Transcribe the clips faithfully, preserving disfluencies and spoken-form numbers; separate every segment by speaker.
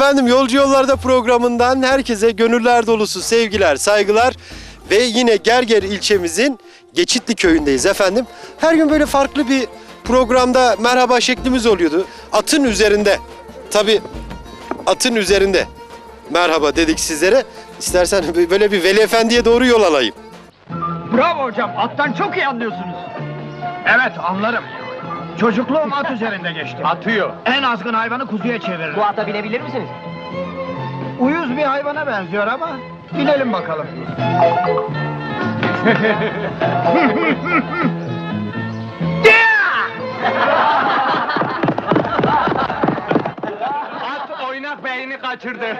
Speaker 1: Efendim Yolcu Yollarda programından herkese gönüller dolusu sevgiler, saygılar ve yine Gerger ilçemizin Geçitli köyündeyiz efendim. Her gün böyle farklı bir programda merhaba şeklimiz oluyordu. Atın üzerinde, tabii atın üzerinde merhaba dedik sizlere. İstersen böyle bir Veli Efendi'ye doğru yol alayım.
Speaker 2: Bravo hocam, attan çok iyi anlıyorsunuz. Evet, anlarım. Çocukluğum at üzerinde geçti. Atıyor. En azgın hayvanı kuzuya çevirir.
Speaker 3: Bu ata binebilir misiniz?
Speaker 2: Uyuz bir hayvana benziyor ama binelim bakalım. At oynak beynini kaçırdı.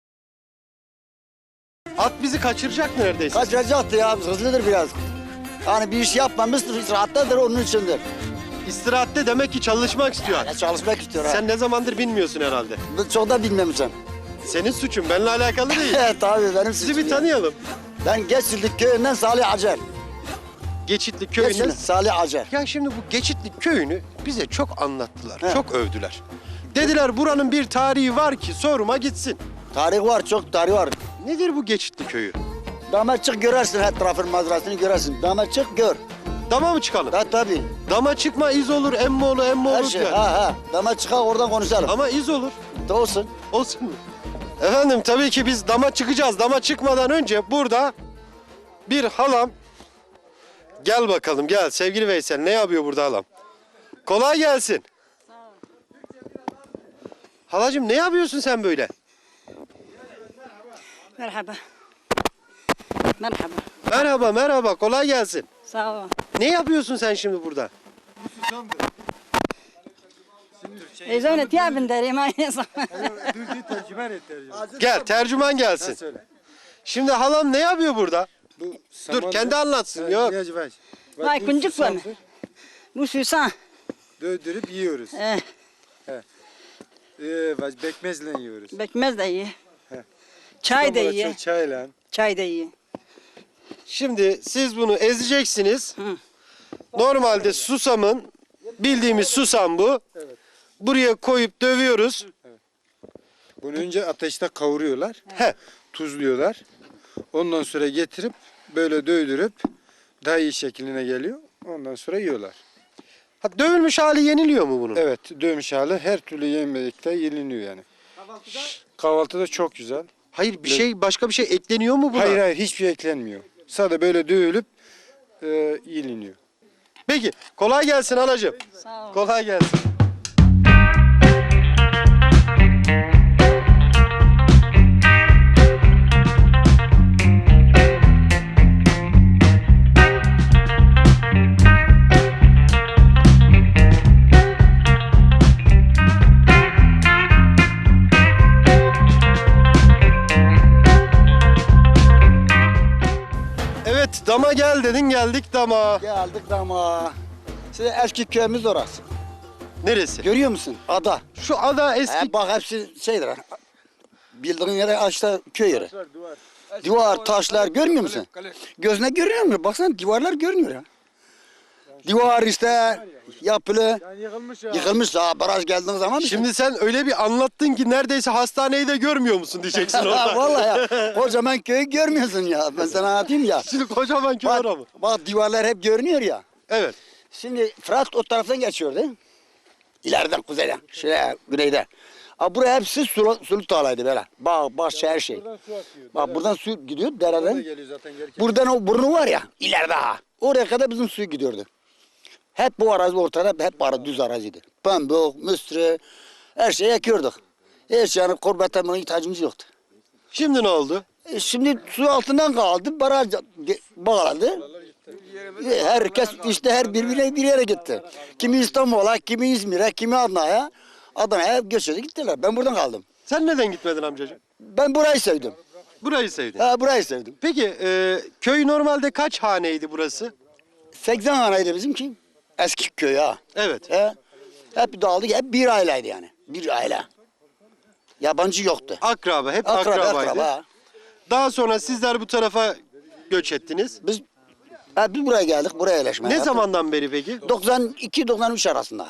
Speaker 1: At bizi kaçıracak neredeyse.
Speaker 4: Kaçıracaktı ya, hızlıdır biraz. Yani bir iş yapmamıştır, rahattadır onun içindir.
Speaker 1: İstirahatte demek ki çalışmak istiyor at.
Speaker 4: Yani çalışmak istiyor ha.
Speaker 1: Sen ne zamandır bilmiyorsun herhalde.
Speaker 4: Ben çok da bilmemişim.
Speaker 1: Senin suçun, benimle alakalı değil.
Speaker 4: Tabii benim
Speaker 1: Sizi
Speaker 4: suçum
Speaker 1: bir
Speaker 4: ya.
Speaker 1: tanıyalım.
Speaker 4: Ben Geçitli köyünden Salih Acar.
Speaker 1: Geçitli
Speaker 4: Geçitli
Speaker 1: köyünden.
Speaker 4: Salih Acar.
Speaker 1: Ya şimdi bu Geçitli köyünü bize çok anlattılar,
Speaker 4: He.
Speaker 1: çok övdüler. Dediler buranın bir tarihi var ki soruma gitsin.
Speaker 4: Tarih var, çok tarih var.
Speaker 1: Nedir bu Geçitli köyü?
Speaker 4: Dama çık görersin, her tarafın manzarasını görersin. Dama çık gör.
Speaker 1: Dama mı çıkalım?
Speaker 4: Ha tabii.
Speaker 1: Dama çıkma iz olur, emmi olur, emmi
Speaker 4: Her
Speaker 1: olur
Speaker 4: şey.
Speaker 1: diyor.
Speaker 4: Ha ha. Dama çıkar oradan konuşalım.
Speaker 1: Ama iz olur.
Speaker 4: Da olsun.
Speaker 1: Olsun mu? Efendim tabii ki biz dama çıkacağız. Dama çıkmadan önce burada bir halam. Gel bakalım gel sevgili Veysel. Ne yapıyor burada halam? Kolay gelsin. Sağ ol. Halacığım ne yapıyorsun sen böyle?
Speaker 5: Merhaba. Merhaba.
Speaker 1: Merhaba merhaba kolay gelsin.
Speaker 5: Sağ ol.
Speaker 1: Ne yapıyorsun sen şimdi burada?
Speaker 5: İzone tiyabın derim aynı zamanda.
Speaker 1: Gel tercüman gelsin. Şimdi halam ne yapıyor burada? Dur kendi anlatsın. Yok.
Speaker 5: Vay kuncuk bana. Bu susan.
Speaker 6: Döndürüp yiyoruz.
Speaker 5: Eh,
Speaker 6: Ee, bekmezle yiyoruz.
Speaker 5: bekmez de iyi. Çay da iyi.
Speaker 6: Çayla.
Speaker 5: Çay da iyi.
Speaker 1: Şimdi siz bunu ezeceksiniz.
Speaker 5: Hı.
Speaker 1: Normalde susamın bildiğimiz susam bu. Buraya koyup dövüyoruz.
Speaker 6: Bunu önce ateşte kavuruyorlar.
Speaker 1: He.
Speaker 6: Tuzluyorlar. Ondan sonra getirip böyle dövdürüp daha iyi şekline geliyor. Ondan sonra yiyorlar.
Speaker 1: Ha, dövülmüş hali yeniliyor mu bunun?
Speaker 6: Evet, dövmüş hali her türlü yemekte yeniliyor yani. Kahvaltıda? Kahvaltıda çok güzel.
Speaker 1: Hayır bir şey başka bir şey ekleniyor mu buna?
Speaker 6: Hayır hayır hiçbir şey eklenmiyor. Sadece böyle dövülüp e, yeniliyor.
Speaker 1: Peki kolay gelsin halacığım.
Speaker 5: Sağ ol.
Speaker 1: Kolay gelsin. Evet dama gel dedin geldik dama.
Speaker 4: Geldik dama. Size eski köyümüz orası.
Speaker 1: Neresi?
Speaker 4: Görüyor musun? Ada.
Speaker 1: Şu ada eski.
Speaker 4: He, bak hepsi şeydir. ha. Bildiğin yere açta köy yeri. Duvar, taşlar görmüyor musun? Gözüne görünüyor mu? Baksana duvarlar görünüyor ya. Duvar işte yapılı.
Speaker 6: Yıkılmış ya.
Speaker 4: Yıkılmış ha baraj geldiğin zaman.
Speaker 1: Şimdi sen öyle bir anlattın ki neredeyse hastaneyi de görmüyor musun diyeceksin
Speaker 4: Ha,
Speaker 1: orada.
Speaker 4: vallahi ya. Kocaman köyü görmüyorsun ya. Ben sana anlatayım ya.
Speaker 1: Şimdi kocaman köy
Speaker 4: Bak,
Speaker 1: var mı?
Speaker 4: bak duvarlar hep görünüyor ya.
Speaker 1: Evet.
Speaker 4: Şimdi Fırat o taraftan geçiyordu. İleriden kuzeyden, şuraya güneyde. Abi buraya hepsi sulu, sulu tarlaydı böyle. Bağ, bahçe her şey. Bak buradan su gidiyor dereden.
Speaker 6: Geliyor zaten gelirken.
Speaker 4: Buradan o burnu var ya ileride ha. Oraya kadar bizim su gidiyordu. Hep bu arazi ortada hep ara, düz araziydi. Pamuk, müstri, her şeyi ekiyorduk. Hiç yani kurbete buna ihtiyacımız yoktu.
Speaker 1: Şimdi ne oldu?
Speaker 4: E şimdi su altından kaldı, baraj ge- bağlandı. E, Herkes işte her birbirine bir yere gitti. Kimi İstanbul'a, kimi İzmir'e, kimi Adana'ya. Adana'ya göçerdi gittiler. Ben buradan kaldım.
Speaker 1: Sen neden gitmedin amcacığım?
Speaker 4: Ben burayı sevdim.
Speaker 1: Burayı sevdin.
Speaker 4: Ha, burayı sevdim.
Speaker 1: Peki e, köy normalde kaç haneydi burası?
Speaker 4: seksen haneydi bizimki. Eski köy ha.
Speaker 1: Evet.
Speaker 4: He. Hep dağıldık, hep bir aileydi yani. Bir aile. Yabancı yoktu.
Speaker 1: Akraba, hep
Speaker 4: Akraba,
Speaker 1: akrabaydı.
Speaker 4: akraba. ha.
Speaker 1: Daha sonra sizler bu tarafa göç ettiniz.
Speaker 4: Biz, ha, biz buraya geldik, buraya yerleşmeye.
Speaker 1: Ne
Speaker 4: yaptık.
Speaker 1: zamandan beri peki?
Speaker 4: doksan iki doksan üç arasında.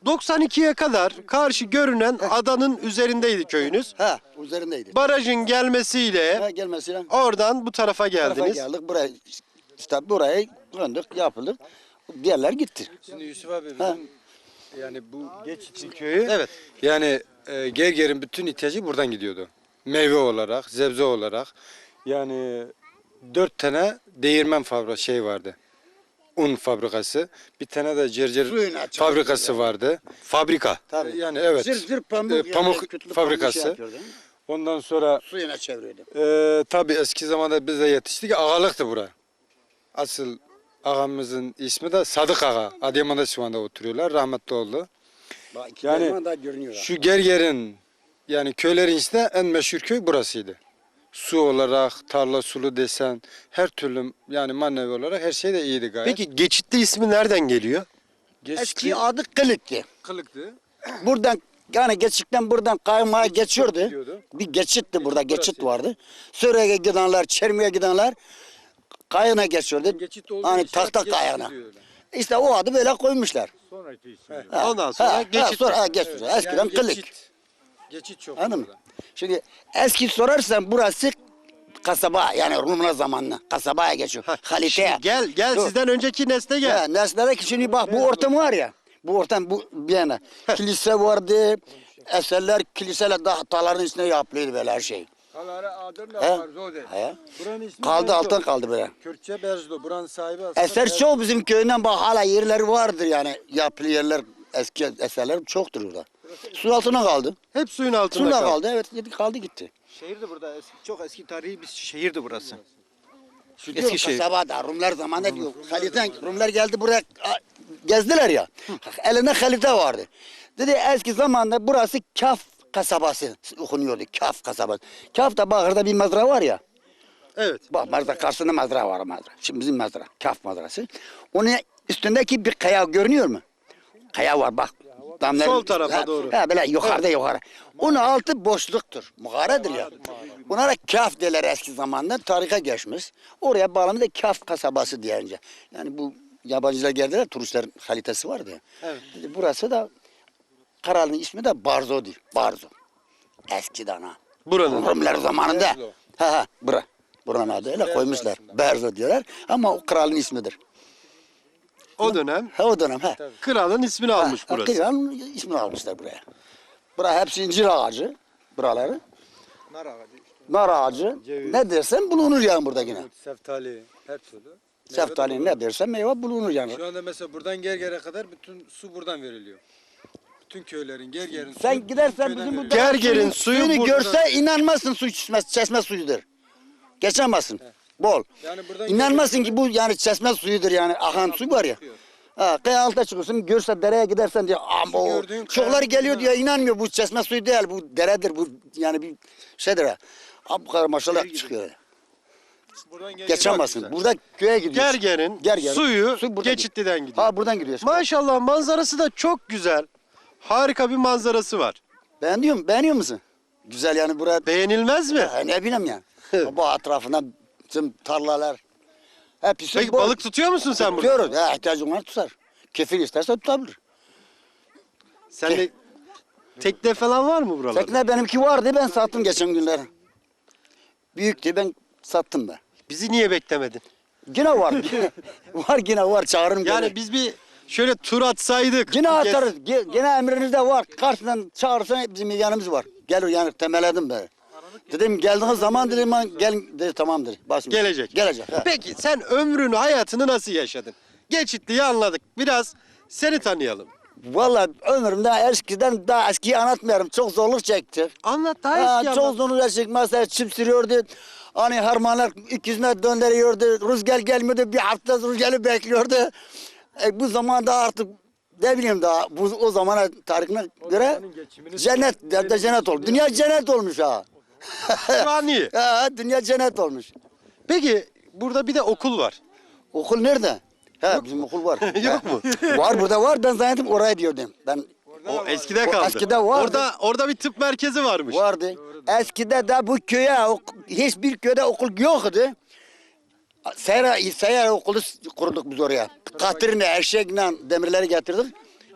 Speaker 1: doksan ikiye kadar karşı görünen adanın üzerindeydi köyünüz.
Speaker 4: Ha, üzerindeydi.
Speaker 1: Barajın gelmesiyle
Speaker 4: Ha, gelmesiyle
Speaker 1: oradan bu tarafa
Speaker 4: tarafa
Speaker 1: geldiniz.
Speaker 4: geldik. Buraya, işte buraya döndük, yapıldık. Diğerler gitti.
Speaker 6: Şimdi Yusuf abi bizim
Speaker 4: Ha.
Speaker 6: yani bu Geçitli köyü
Speaker 1: Evet.
Speaker 6: yani e, Gerger'in bütün ihtiyacı buradan gidiyordu. Meyve olarak, sebze olarak. Yani dört tane değirmen fabrikası şey vardı. Un fabrikası. Bir tane de cercer
Speaker 4: Suyunu açık
Speaker 6: fabrikası
Speaker 4: yapıyordu.
Speaker 6: vardı.
Speaker 1: Fabrika.
Speaker 4: Tabii.
Speaker 6: Yani evet.
Speaker 4: Zır zır pamuk,
Speaker 6: E,
Speaker 4: yani
Speaker 6: pamuk
Speaker 4: kütlü pamuk
Speaker 6: fabrikası.
Speaker 4: şey yapıyordu.
Speaker 6: Ondan sonra
Speaker 4: Suyuna çeviriyordu.
Speaker 6: e, tabii eski zamanda biz de yetiştik. Ağalıktı bura. Asıl ağamızın ismi de Sadık Ağa. Adıyaman'da şu anda oturuyorlar. Rahmetli oldu.
Speaker 4: Bak, iki
Speaker 6: Yani
Speaker 4: yani, daha görünüyor.
Speaker 6: Şu Gerger'in yani köylerin içinde en meşhur köy burasıydı. Su olarak, tarla sulu desen, her türlü yani manevi olarak her şey de iyiydi gayet.
Speaker 1: Peki Geçitli ismi nereden geliyor?
Speaker 6: Geçti,
Speaker 4: Eski adı Kılık'tı.
Speaker 6: kılıktı.
Speaker 4: Buradan yani geçikten buradan kaymaya geçiyordu.
Speaker 6: gidiyordu.
Speaker 4: Bir geçitti burada, geçit
Speaker 6: burasıydı.
Speaker 4: vardı. Suriye'ye gidenler, Çermi'ye gidenler kayığına geçiyordu.
Speaker 6: Geçit olduğu
Speaker 4: Hani
Speaker 6: için
Speaker 4: tahta
Speaker 6: geçit
Speaker 4: kayığına.
Speaker 6: diyorlar.
Speaker 4: İşte o adı böyle koymuşlar.
Speaker 6: Sonraki isim.
Speaker 4: Ha,
Speaker 1: Ondan sonra
Speaker 4: ha,
Speaker 1: geçit.
Speaker 4: Ha, sonra ha, geçit. Eskiden
Speaker 6: Yani
Speaker 4: Kılık.
Speaker 6: Geçit, geçit çok.
Speaker 4: Anladın mı?
Speaker 6: burada.
Speaker 4: Şimdi eski sorarsan burası kasaba yani Rumlar zamanına kasabaya geçiyor. Halite'ye.
Speaker 1: Şimdi gel gel
Speaker 4: Dur.
Speaker 1: sizden önceki nesle gel.
Speaker 4: Ha, nesnede ki şimdi bak bu ortam var ya. Bu ortam bu bir yana. Kilise vardı. Eserler kiliseler dağların içine yapılıyordu böyle her şey.
Speaker 6: Kalara adın da
Speaker 4: He?
Speaker 6: var Zode.
Speaker 4: He.
Speaker 6: Buranın ismi
Speaker 4: Kaldı
Speaker 6: Berzdo.
Speaker 4: alttan kaldı böyle.
Speaker 6: Kürtçe Berzdo. Buranın sahibi aslında
Speaker 4: Eser
Speaker 6: Berzdo.
Speaker 4: çok bizim köyünden bak hala yerleri vardır yani. Yapılı yerler eski eserler çoktur orada. Su altına kaldı.
Speaker 1: Hep suyun altında
Speaker 4: Suyla
Speaker 1: kaldı.
Speaker 4: kaldı evet kaldı gitti.
Speaker 3: Şehirdi burada. Eski, çok eski tarihi bir şehirdi burası.
Speaker 4: Eski
Speaker 3: şehir.
Speaker 4: kasabada Rumlar zamanında diyor. Haliten Rumlar geldi buraya a, gezdiler ya. Elinde halite vardı. Dedi eski zamanda burası Kaf kasabası okunuyordu. Kaf kasabası. Kaf da Bağır'da bir mezra var ya.
Speaker 1: Evet.
Speaker 4: Bak mezra karşısında mezra var mezra. Şimdi bizim mezra. Kaf mezrası. Onun üstündeki bir kaya görünüyor mu? Kaya var bak. Damların,
Speaker 1: Sol tarafa
Speaker 4: ha,
Speaker 1: doğru.
Speaker 4: Ha, böyle yukarıda yukarı. Onun altı boşluktur. Mağaradır ya. Bunlara Kaf derler eski zamanda. Tarihe geçmiş. Oraya bağlamı da Kaf kasabası diyince. Yani bu yabancılar geldiler. Turistlerin kalitesi vardı ya.
Speaker 1: Evet.
Speaker 4: Dedi, burası da kralın ismi de Barzo'du. Barzo. Eskiden ha.
Speaker 1: Buranın.
Speaker 4: Rumlar zamanında.
Speaker 6: Berzlo.
Speaker 4: Ha ha bura. Buranın adı öyle
Speaker 6: Berzo
Speaker 4: koymuşlar.
Speaker 6: aslında.
Speaker 4: Berzo diyorlar ama o kralın ismidir.
Speaker 1: O dönem
Speaker 4: Ha o dönem ha.
Speaker 1: kralın ismini almış
Speaker 4: Ha,
Speaker 1: burası.
Speaker 4: Kralın ismini almışlar buraya. Bura hepsi incir ağacı. Buraları.
Speaker 3: Nar ağacı.
Speaker 4: Nar ağacı.
Speaker 6: Ceviz.
Speaker 4: Ne dersen bulunur yani burada yine.
Speaker 6: Seftali, her türlü.
Speaker 4: Seftali ne dersen meyve bulunur yani.
Speaker 6: Şu anda mesela buradan Gerger'e kadar bütün su buradan veriliyor. Bütün köylerin, Gerger'in suyu
Speaker 4: Sen gidersen
Speaker 6: köyden
Speaker 4: bizim bu
Speaker 6: veriliyor.
Speaker 1: Gerger'in
Speaker 4: suyunu-
Speaker 1: suyu
Speaker 4: suyunu
Speaker 1: burada.
Speaker 4: görse inanmazsın su çeşme, çeşme suyudur. Geçemezsin. Bol.
Speaker 6: Yani buradan
Speaker 4: İnanmazsın ki bu yani çeşme suyudur yani akan su var ya. Ha, kaya altına çıkıyorsun görse dereye gidersen diyor ama o
Speaker 6: gördüğün
Speaker 4: çokları
Speaker 6: kayanın
Speaker 4: geliyor
Speaker 6: içine-
Speaker 4: diyor inanmıyor bu çeşme suyu değil bu deredir bu yani bir şeydir ha. Abi bu kadar maşallah çıkıyor.
Speaker 6: Buradan Gerger'e
Speaker 4: Geçemezsin. Burada köye gidiyorsun.
Speaker 1: Gerger'in
Speaker 4: Gerger'in
Speaker 1: suyu
Speaker 4: su buradan
Speaker 1: Geçitli'den gidiyor.
Speaker 4: Ha buradan gidiyorsun.
Speaker 1: Maşallah manzarası da çok güzel. Harika bir manzarası var.
Speaker 4: Beğeniyor musun? Beğeniyor musun? Güzel yani burada.
Speaker 1: Beğenilmez mi?
Speaker 4: Ha, ne bileyim ya. Bu etrafından tüm tarlalar. Hepsi
Speaker 1: Peki
Speaker 4: bol.
Speaker 1: balık tutuyor musun sen burada?
Speaker 4: Tutuyoruz. Ha, ihtiyacın var tutar. Kefil isterse tutabilir.
Speaker 1: Sen de tekne falan var mı buralarda?
Speaker 4: Tekne benimki vardı ben sattım geçen günler. Büyüktü ben sattım ben.
Speaker 1: Bizi niye beklemedin?
Speaker 4: Yine var. var yine var çağırırım.
Speaker 1: Yani
Speaker 4: gene.
Speaker 1: biz bir şöyle tur atsaydık.
Speaker 4: Yine
Speaker 1: bir kez-
Speaker 4: atarız. Ge- Gene emrinizde var. Karşıdan çağırırsan bizim yanımız var. Gelir yani temeledim ben. Dedim geldiğiniz zaman dedim ben gel dedi tamam dedi. Basmış.
Speaker 1: Gelecek.
Speaker 4: Gelecek. ha.
Speaker 1: Peki sen ömrünü, hayatını nasıl yaşadın? Geçitli'yi anladık. Biraz seni tanıyalım.
Speaker 4: Vallahi ömrümde eskiden daha eskiyi anlatmıyorum. Çok zorluk çekti.
Speaker 1: Anlat daha
Speaker 4: Ha,
Speaker 1: eski
Speaker 4: çok
Speaker 1: anlat.
Speaker 4: zorluk çekti. Mesela çip sürüyordu. Hani harmanlar iki yüz metre döndürüyordu. Rüzgar gelmiyordu. Bir hafta rüzgarı bekliyordu. E, bu zamanda artık ne bileyim daha bu o zamana tarihine göre cennet de cennet oldu. Dünya cennet olmuş ha.
Speaker 1: Şu an iyi.
Speaker 4: Ha, dünya cennet olmuş.
Speaker 1: Peki burada bir de okul var.
Speaker 4: Okul nerede? He bizim okul var.
Speaker 1: Yok mu?
Speaker 4: Var burada var. Ben zannettim oraya diyordum. Ben
Speaker 1: O eskide
Speaker 4: O
Speaker 1: kaldı.
Speaker 4: eskide vardı.
Speaker 1: Orada orada bir tıp merkezi varmış.
Speaker 4: vardı. Eskide de bu köye ok- hiçbir köyde okul yoktu. Seyra, Seyra okulu kurduk biz oraya. Katırla, eşekle demirleri getirdik.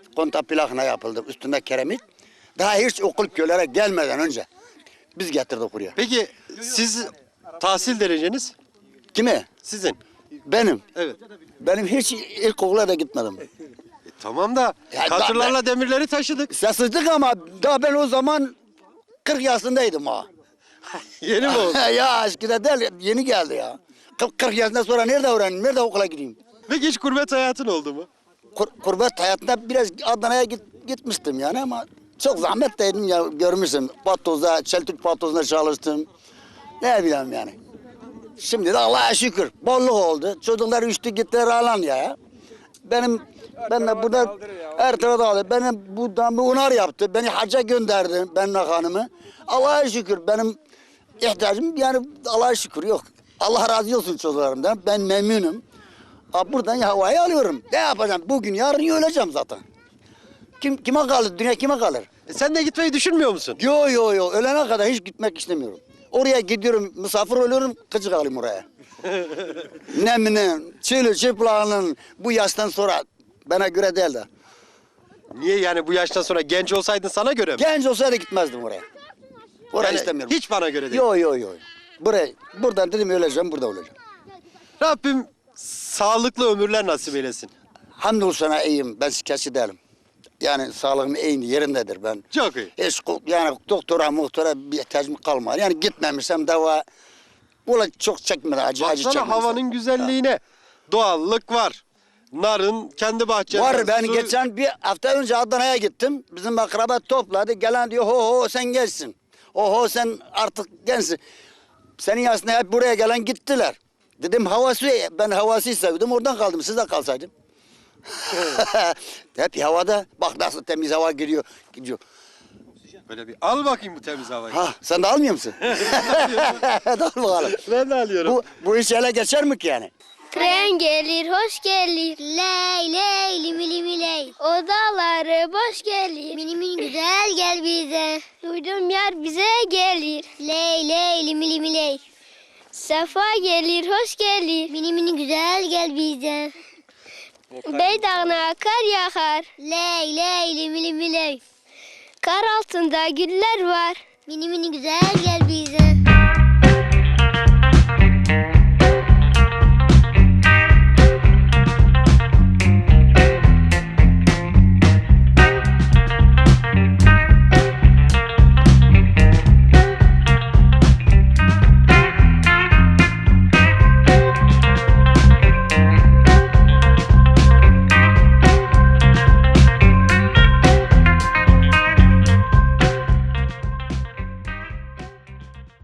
Speaker 4: konta plakına yapıldı. Üstünde keremit. Daha hiç okul köylere gelmeden önce biz getirdik buraya.
Speaker 1: Peki siz tahsil dereceniz?
Speaker 4: Kimi?
Speaker 1: Sizin.
Speaker 4: Benim.
Speaker 1: Evet.
Speaker 4: Benim hiç ilkokula da gitmedim.
Speaker 1: E, tamam da
Speaker 4: Ya
Speaker 1: katırlarla demirleri taşıdık.
Speaker 4: Sessizlik ama daha ben o zaman kırk yaşındaydım ha.
Speaker 1: Yeni mi oldu?
Speaker 4: Ya eskide değil, yeni geldi ya. kırk kırk yaşından sonra nerede öğreneyim, nerede okula gideyim?
Speaker 1: Peki hiç gurbet hayatın oldu mu?
Speaker 4: Kur, kurbet hayatında biraz Adana'ya git, gitmiştim yani ama çok zahmetliydim ya, görmüşsün. Patozda, Çeltik patozunda çalıştım. Ne bileyim yani. Şimdi de Allah'a şükür bolluk oldu. Çocuklar üçtü gittiler alan ya. Benim, ben de burada her tarafa aldı. Benim buradan bir unar yaptı. Beni hacca gönderdi, benimle hanımı. Allah'a şükür benim ihtiyacım yani Allah'a şükür yok. Allah razı olsun çocuklarımdan. Ben memnunum. Aa, buradan havayı alıyorum. Ne yapacağım? Bugün yarın öleceğim zaten. Kim kime kalır? Dünya kime kalır?
Speaker 1: E, sen de gitmeyi düşünmüyor musun?
Speaker 4: Yo yo yo. Ölene kadar hiç gitmek istemiyorum. Oraya gidiyorum, misafir oluyorum, gıcık alayım oraya. Neminin, çölü çıplağının bu yaştan sonra bana göre değil de.
Speaker 1: Niye yani bu yaştan sonra genç olsaydın sana göre mi?
Speaker 4: Genç olsaydı gitmezdim oraya. Oraya
Speaker 1: Yani
Speaker 4: istemiyorum.
Speaker 1: hiç bana göre değil.
Speaker 4: Yo yo yo. Buraya, buradan dedim öleceğim, burada olacağım.
Speaker 1: Rabbim sağlıklı ömürler nasip eylesin.
Speaker 4: Hamdolsun sana iyiyim, ben şikayetçi değilim. Yani sağlığım iyi yerindedir ben.
Speaker 1: Çok iyi.
Speaker 4: Hiç ko- yani doktora muhtora bir ihtiyacım kalmadı. Yani gitmemişsem dava Ula çok çekmedi acı acı
Speaker 1: Baksana
Speaker 4: çekmedi.
Speaker 1: havanın güzelliğine. Doğallık var. Narın kendi bahçende.
Speaker 4: Var ben
Speaker 1: su-
Speaker 4: geçen bir hafta önce Adana'ya gittim. Bizim akraba topladı. Gelen diyor ho ho sen gençsin. Oho sen artık gençsin. Senin yaşında hep buraya gelen gittiler. Dedim havası ben havası sevdim oradan kaldım. Siz de kalsaydım. Hep havada bak nasıl temiz hava giriyor. Gidiyor.
Speaker 1: Böyle bir al bakayım bu temiz havayı.
Speaker 4: Ha sen de almıyor musun? Hadi al bakalım.
Speaker 1: Ben de alıyorum.
Speaker 4: Bu, bu iş ele geçer mi ki yani?
Speaker 7: Tren gelir, hoş gelir. Ley ley limi limi ley. Odaları boş gelir. Mini mini güzel gel bize. Duydum yar bize gelir. Ley ley limi limi ley. Safa gelir, hoş gelir. Mini mini güzel gel bize. Beydağına kar yağar. Ley ley limi limi ley. Kar altında güller var. Mini mini güzel gel bize.